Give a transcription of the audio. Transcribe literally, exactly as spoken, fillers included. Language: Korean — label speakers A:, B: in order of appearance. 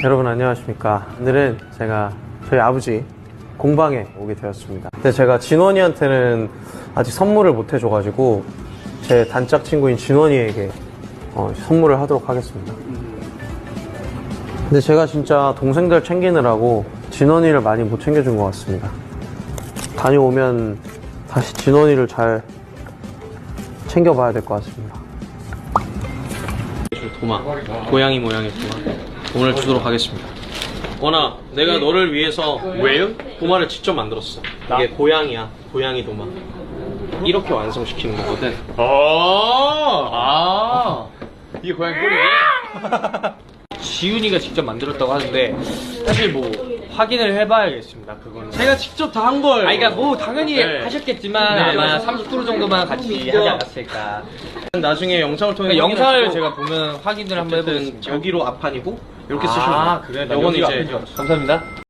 A: 여러분 안녕하십니까. 오늘은 제가 저희 아버지 공방에 오게 되었습니다. 근데 제가 진원이한테는 아직 선물을 못 해줘가지고 제 단짝 친구인 진원이에게 어, 선물을 하도록 하겠습니다. 근데 제가 진짜 동생들 챙기느라고 진원이를 많이 못 챙겨준 것 같습니다. 다녀오면 다시 진원이를 잘 챙겨봐야 될 것 같습니다. 도마, 고양이 모양의 도마 오늘 주도록 하겠습니다. 원아, 내가 너를 위해서 왜요? 도마를 직접 만들었어. 이게 고양이야, 고양이 도마. 이렇게 완성시키는 거거든.
B: 아, 아, 이게 고양이 꼬리예요? 지훈이가 직접 만들었다고 하는데 사실 뭐 확인을 해봐야겠습니다. 그거는
A: 제가 직접 다 한 걸.
B: 아, 그러니까 뭐 당연히
A: 네.
B: 하셨겠지만
A: 네,
B: 아마
A: 맞아요.
B: 삼십 프로 정도만 같이 하지 않았을까.
A: 나중에 영상을 통해
B: 그러니까 영상을 제가 보면 확인을 한번
A: 어쨌든
B: 해보겠습니다.
A: 여기로 앞판이고 이렇게 쓰시면 돼요.
B: 아, 그래? 나
A: 요거는
B: 여기가
A: 이제
B: 앞인 줄 알았어. 감사합니다.